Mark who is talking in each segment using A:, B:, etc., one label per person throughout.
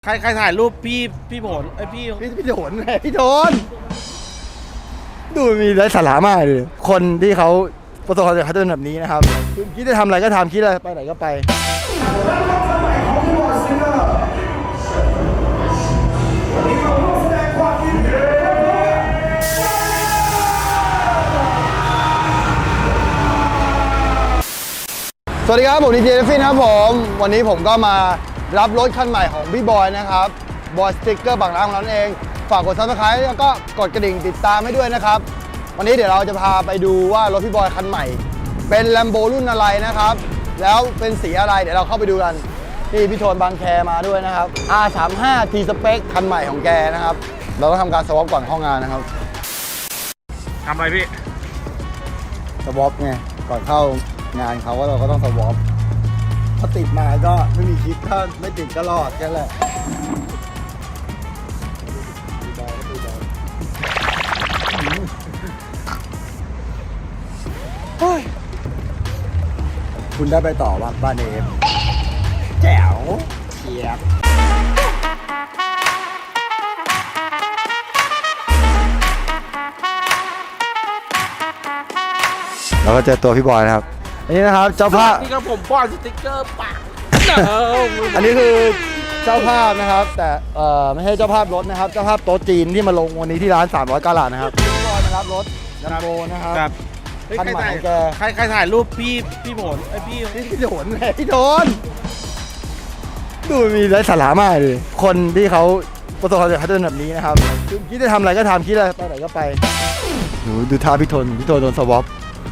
A: ใครถ่ายรูปพี่ผลไอพี่
B: โถนไงพี่โถนดูมีไร้สาระมากเลยคนที่เขาประสบความสำเร็จเขาเป็นแบบนี้นะครับคุณคิดจะทำอะไรก็ทำคิดอะไรไปไหนก็ไปสวัสดีครับผมดีเจเดฟฟินครับผมวันนี้ผมก็มารับรถคันใหม่ของพี่บอยนะครับบอยสติ๊กเกอร์บางร้านของเราเองฝากกด Subscribe แล้วก็กดกระดิ่งติดตามให้ด้วยนะครับวันนี้เดี๋ยวเราจะพาไปดูว่ารถพี่บอยคันใหม่เป็น Lambo รุ่นอะไรนะครับแล้วเป็นสีอะไรเดี๋ยวเราเข้าไปดูกันนี่พี่โทนบางแคมาด้วยนะครับ R35 T Spec คันใหม่ของแกนะครับเราก็ทำการสวอปก่อนเข้างานนะครับ
A: ทำอะไรพี่
B: สวอปไงก่อนเข้างานเขาว่าเราก็ต้องสวอปถ้าติดมาก็ไม่มีคลิปถ้าไม่ติดก็รอดแค่นั้นแหละคุณได้ไปต่อวัดบ้านเอฟแจ๋วเฉียบเราก็เจอตัวพี่บอยนะครับอันนี้นะครับเจ้าภาพ
A: นี่ครับผมบอยสติ๊กเกอร์ปาก
B: อันนี้คือเจ้าภาพนะครับแต่ไม่ใช่เจ้าภาพรถนะครับเจ้าภาพโต๊ะจีนที่มาลงวันนี้ที่ร้าน300กะหลาดนะครับพี่บอยมารับรถลัมโบนะครับคันใหม่ของแก
A: ใครถ่ายรูปพี่ผลไอพี่
B: โถนไงพี่โถนดูมีไร้สาระมากเลยคนที่เขาประสบความสำเร็จเขาเป็นแบบนี้นะครับคุณคิดจะทำอะไรก็ทำคิดอะไรไปไหนก็ไปดูท่าพี่โถนโดนสวอป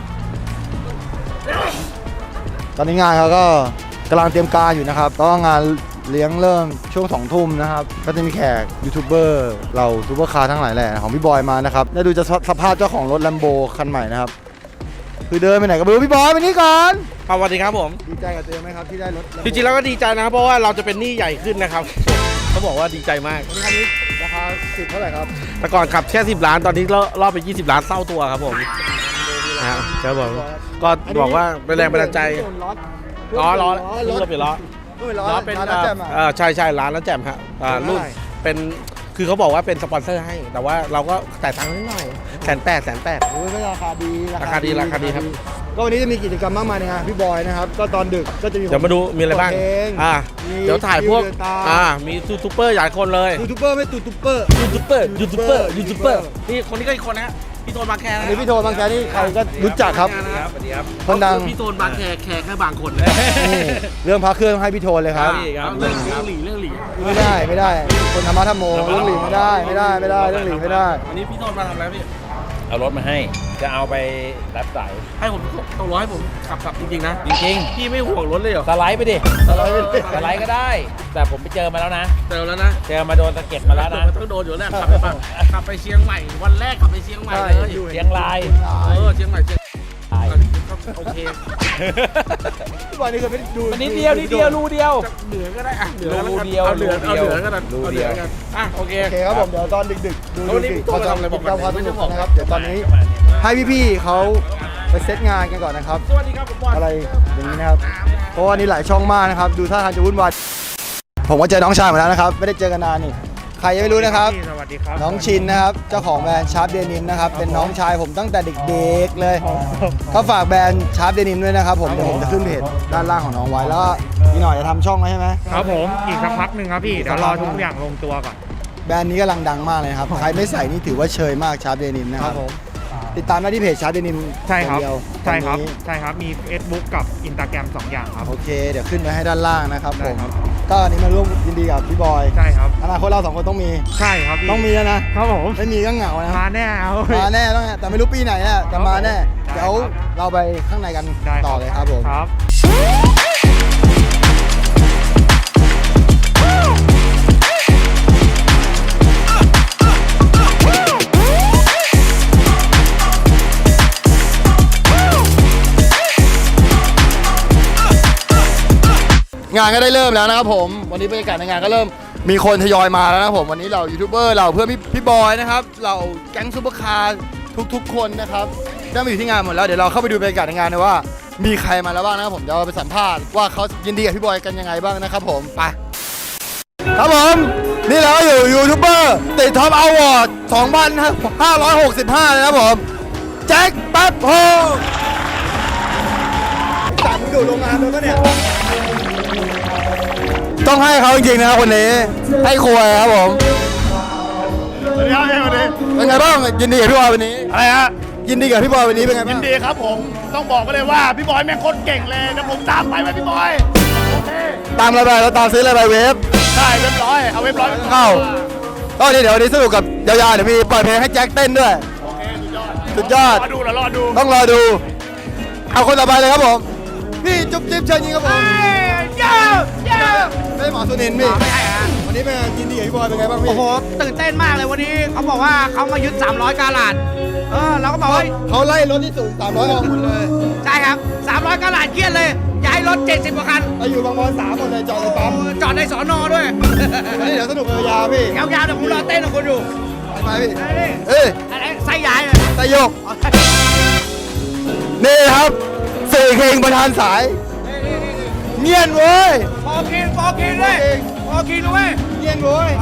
B: ตอนนี้งานเขาก็กำลังเตรียมการอยู่นะครับก็งานเลี้ยงเริ่มช่วง2 ทุ่มนะครับก็จะมีแขกยูทูบเบอร์เราซูเปอร์คาร์ทั้งหลายแหละของพี่บอยมานะครับแล้วดูจะสภาพเจ้าของรถ Lambo คันใหม่นะครับคือเดินไปไหนก็ไม่รู้พี่บอยไปนี่ก่อน
A: สวัสดีครับผม
B: ดีใจกับเจอไหมครับที่ได้รถ
A: จริงๆแล้วก็ดีใจนะครับเพราะว่าเราจะเป็นหนี้ใหญ่ขึ้นนะครับเขาบอกว่าดีใจมาก
B: คันนี้ราคา10เท่าไหร่ครับ
A: แต่ก่อนขับแค่10 ล้านตอนนี้รอบไป20 ล้านเท่าตัวครับผมครับผมก็บอกว่าเป็นแรงบันดาลใจล้อเป็นล้อเป็นใช่ร้านแล้วแจ่มฮะรุ่นเป็นคือเขาบอกว่าเป็นสปอนเซอร์ให้แต่ว่าเราก็จ่ายตังค์นิดหน่อย180,000
B: โอ้ยราคาดี
A: ครับ
B: ก็วันนี้จะมีกิจกรรมมากมายนะพี่บอยนะครับก็ตอนดึกก็จะมี
A: เดี๋ยวมาดูมีอะไรบ้างเดี๋ยวถ่ายพวกมียูทูบเบอร์หลายคนเลย
B: ยูทูบเบอร์ไม่ยูทูบเบอร์
A: นี่คนนี้ก็อีกคนนะพี่โทนบางแค
B: นี่พี่โทนบางแคนี่ใครก็รู้จักครับ
A: สวัสดีครับ
B: คนดัง
A: พี่โทนบางแคแค่บางคน
B: เรื่องพักเครื่องให้พี่โทนเลยครับ
A: เรื่องหลี
B: ไม่ได้คนธรรมะธรรมโมเรื่องหลีไม่ได้เรื่องหลีไม่ได้
A: วันนี้พี่โทนมาทำอะไรพี่
C: เอารถมาให้จะเอาไปรับสาย
A: ให้ผมต้องรอให้ผมขับจริงๆนะ
C: จริง
A: ๆพี่ไม่ห่วงรถเลยเหรอ
C: สไลด์ไปดิสไลด์ก็ได้แต่ผมไปเจอมาแล้วนะเจอมาโดนสะเก็ดมาแล้วนะ
A: ต้องโดนอยู่แล้วขับไปเชียงใหม่วันแรกขับไปเชียงใหม่เลย
C: เชียงราย
A: เชียงใหม่โอเค
B: พี่บอยนี่ก็ไม่ดู
C: นิดเดียวรูเดียว
A: เหนือก็ได้
C: รูเดียว
A: เอาเหนือก็ได้โอเค
B: ครับผมเดี๋ยวตอนดึกๆดูเขาทำอะไรบอกกันไม่จะบอกนะครับเดี๋ยวตอนนี้ให้พี่ๆเขาไปเซตงานกันก่อนนะครับ
A: สวัสดีครับผมบอล
B: อะไรอย่างนี้นะครับเพราะว่านี่หลายช่องมากนะครับดูท่าทางจะวุ่นวายผมก็เจอน้องชายมาแล้วนะครับไม่ได้เจอกันนานนี่ใครยังไม่รู้นะครับ
A: สวัสดีครับ
B: น้องชินนะครับเจ้าของแบรนด์ชาร์ปเดนิมนะครับเป็นน้องชายผมตั้งแต่เด็กๆเลยเขาฝากแบรนด์ชาร์ปเดนิมด้วยนะครับผมเดี๋ยวผมจะขึ้นเพจด้านล่างของน้องไว้แล้วอีกหน่อยจะทำช่องไว้ใช่ไหม
A: ครับผมอีกสักพักหนึ่งครับพี่เดี๋ยวรอทุกอย่างลงตัวก่อน
B: แบรนด์นี้กำลังดังมากเลยครับใครไม่ใส่นี่ถือว่าเชยมากชาร์ปเดนิมนะครับติดตามได้ที่เพจชาร์ปเดนิม
A: ใช่ครับมี Facebook กับ Instagram 2 อย่างครับ
B: โอเคเดี๋ยวขึ้นไว้ให้ด้านล่างนะครับผมก็อันนี้มาร่วมยินดีกับพี่บอย
A: ใช่ครับ
B: อนาคตเรา2 คนต้องมี
A: ใช่ครับ
B: ต้องมีแล้วนะครับ
A: ผม
B: ไม่มีก็เหงานะ
A: มาแน่
B: มาแน่ต้องแต่ไม่รู้ปีไหนนะแต่มาแน่เดี๋ยวเราไปข้างในกันต่อเลยครับผม
A: ครับ
B: งานก็ได้เริ่มแล้วนะครับผมวันนี้บรรยากาศในงานก็เริ่มมีคนทยอยมาแล้วนะผมวันนี้เรายูทูบเบอร์เราเพื่อนพี่บอยนะครับเราแก๊งซุปเปอร์คาร์ทุกคนนะครับได้มาอยู่ที่งานหมดแล้วเดี๋ยวเราเข้าไปดูบรรยากาศในงานนะว่ามีใครมาแล้วบ้างนะครับผมเดี๋ยวเราไปสัมภาษณ์ว่าเขายินดีกับพี่บอยกันยังไงบ้างนะครับผมไปครับผมนี่เราอยู่ยูทูบเบอร์ติดท็อปอวอร์ด2565เลยครับผมแจ็คแป๊บโฮสั่งดูโรงงานเลยก็เนี่ยต้องให้เขาจริงๆนะครับคนนี้ให้ครัวครับผมสวัสดีครับวันนี้เป็นไงบ้างยินดีกับพี่บอยวันนี้อะไรฮะยินดีกับพี่บอยวันนี้เป็นไงบ้างยินดีครับผมต้องบอกกันเลยว่าพี่บอยแม่งโคตรเก่งเลยนะผมตามไปไหมพี่บอยโอเคตามอะไรไปเราตามซื้ออะไรไปเว็บใช่เว็บร้อยเอาเว็บร้อยเข้าก็เดี๋ยววันนี้สนุกกับยาวๆเดี๋ยวมีเปิดเพลงให้แจ็คเต้นด้วยโอเคสุดยอดรอดูต้องรอดูเอาคนต่อไปเลยครับผมพี่จุ๊บจิ๊บเชิญยิงครับผมไม่หมอสุนินพี่ไม่ใช่ฮะวันนี้เป็นยินดีกับพี่บอยเป็นไงบ้างพี่โอ้โห
D: ตื่นเต้นมากเลยวันนี้เขาบอกว่าเขามายึด300 กาลาดเราก็บอกว่า
B: เขาไล่รถที่สูง300ออกหมดเลย
D: ใช่ครับ300 กาลาดเครียดเลยย้ายรถ70 กว่าคัน
B: ไปอยู่บางบอน3หมดเลยจอดในปั๊ม
D: จอดในสอนอด้วย
B: วันนี้เดี๋ยวสนุกยาวพี่
D: ยาวๆเดี๋ยวผมรอเต้นกับคุณอยู่
B: ไปพี่
D: อะไรไส้ย้ายเลย
B: ไส้โยกนี่ครับสี่เคงประธานสายเงียนเว้ย
D: ฟอร์คิงด้วยฟอร์คิงด้วย
B: เงียนเว้ย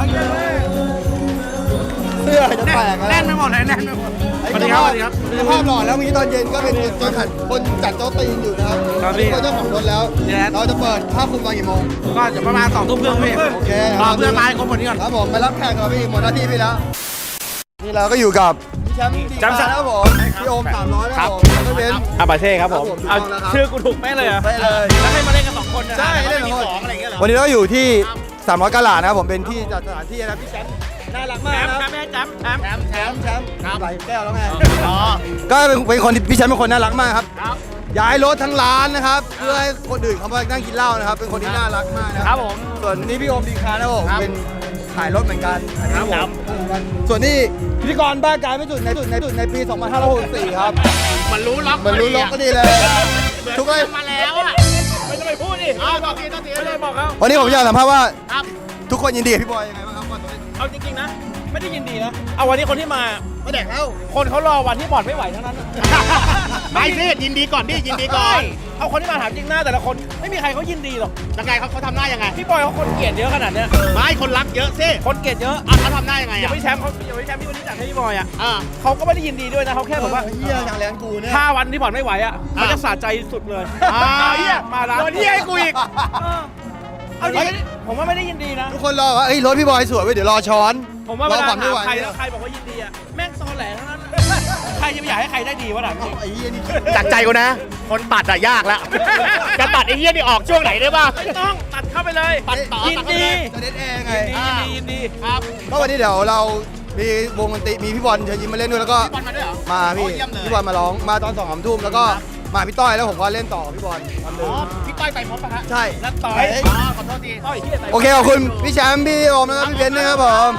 B: เสื้อจะแตก
D: แน่นไปหมดเลยแน่นไปหมด
B: สวัสดีครับสภาพหล่อแล้วเมื่อกี้ตอนเย็นก็เป็นคนจัดโต๊ะตีนอยู่นะครับก็เจ้าของรถแล้วเราจะเปิดภาพคุมตอนกี่โมง
D: ก็จะประมาณ2 ทุ่มครึ่งพี่
B: โอเค
D: รอเพื่อนมาให้ครบหมดนี้ก่อน
B: ครับผมไปรับแขกกับพี่หมดหน้าที่พี่แล้วนี่เราก็อยู่กับแชมป์ครับผมพี่โอม300ครับผมแล้วเป็น
A: อาบาเช่ครับผมชื่อกูถูกแม่เลยอ่ะ
B: ไม่เลย
D: แล้วให้มาเล่นกัน2 คน
B: ใช่เล่น2อะไรเงี้ยเหรอวันนี้เราอยู่ที่300 กะหลาดนะครับผมเป็นที่จัดสถานที่นะพี่แชมป์น่ารักมากนะ
D: แชมป์
B: ไหลแก้วแล้วไงก็เป็นคนที่พี่แชมป์เป็นคนน่ารักมากครับย้ายรถทั้งร้านนะครับเพื่อให้คนอื่นเขามานั่งกินเหล้านะครับเป็นคนที่น่ารักมากนะครับ
D: ผม
B: ส่วนนี้พี่โอมดีคานะครับผมเป็นขายรถเหมือนกันครับส่วนนี้พิธีกรบ้ากายไม่จุดในปี2564ครับ
D: มันรู้ล็อก
B: ก็ดีเลย
D: ทุกเลยมาแล้วอ่ะไม่ต้องไปพูดดิต้องทีไม่ได้บอกเขา
B: วันนี้ผมอยากสัมภาษณ์ว่าทุกคนยินดีกับพี่บอยยังไงบ้างครับ
D: เอาจริงๆนะไม่ได้ยินดีนะเอาวันนี้คนที่มา
B: ไม่แดกแล้ว
D: คนเขารอวันที่บอดไม่ไหวทั้งนั้น
C: ไม่สิยินดีก่อน
D: เอาคนที่มาถามจริงหน้าแต่ละคนไม่มีใครเขายินดีหรอก
C: ยังไงเขาทำหน้ายังไง
D: พี่บอยเขาคนเกลียดเยอะขนาดเนี้ย
C: ไม่คนรักเยอะสิ
D: คนเกลียดเยอะ
C: เขาทำหน้ายังไง
D: อย่าไปแชมป์ที่วันนี้จัดให้พี่บอยอ่ะเขาก็ไม่ได้ยินดีด้วยนะเขาแค่แบบว่า
B: เฮียอย่างแรงกูเนี่ย
D: ถ้าวันที่บอดไม่ไหวอ่ะมันจะสะใจสุดเลย
C: เฮีย
D: มาร้าน
C: วันที่ให้กูอีก
D: เอาจริงผมว่าไม่ได้ยินดีนะ
B: ทุกคนรอว่าเรถพี่บอยสวยเว้ยเดี๋ยวรอช้อน
D: ผมว่าเวลาถามใครแล้วใครบอกว่ายินดีอ่ะแม่งซอแหลทั้งนั้นใครจะไม่อยากให้ใครได้ดีวะหนัง
B: ไอ้เหี้ยนี่
C: จากใจกูนะคนตัดอะยากแล้วจะตัดไอ้เหี้ยนี่ออกช่วงไหนได้บ้าง
D: ไม่ต้องตัดเข้าไปเลย
C: ตัดต่อ
D: ยินดี
B: จะเด็ดแอร์ไง
D: ยินดี
C: ครับ
B: ก็วันนี้เดี๋ยวเรามีวงดนตรีมีพี่บอลเชิญยิ้มมาเล่นด้วยแล้วก็
C: พี่บอลมาด้วยเหรอ
B: มาพี่บอลมาร้องมาตอน2 ทุ่มแล้วก็มาพี่ต้อยแล้วผมก็เล่นต่อพี่บอล
C: พี่ต้อยไปพบปะฮะ
B: ใช่
D: แล้วต่อย
C: ขอโทษที
B: โอเคขอบคุณพี่แชมป์พี่โอมแล้วก็พี่เบนซ์นะครับผม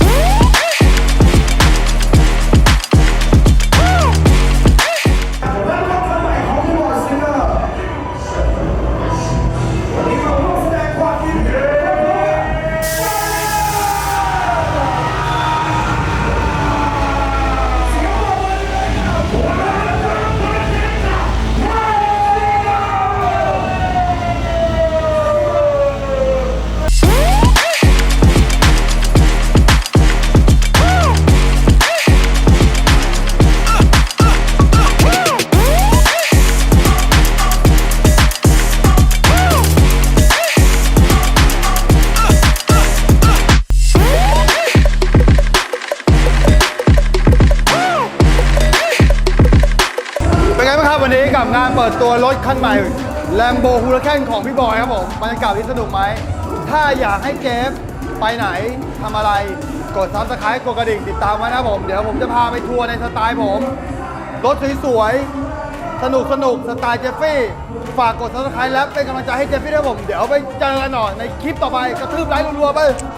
B: วันนี้กับงานเปิดตัวรถคันใหม่ Lambo Huracan ของพี่บอยครับผมบรรยากาศที่สนุกไหมถ้าอยากให้เจฟไปไหนทำอะไรกด Subscribe กดกระดิ่งติดตามไว้นะผมเดี๋ยวผมจะพาไปทัวร์ในสไตล์ผมรถสวยๆสนุกสไตล์เจฟฟี่ฝากกด Subscribe แล้วเป็นกำลังใจให้เจฟฟี่ด้วยผมเดี๋ยวไปเจอกันหน่อยในคลิปต่อไปกระทืบไลค์รัวๆไป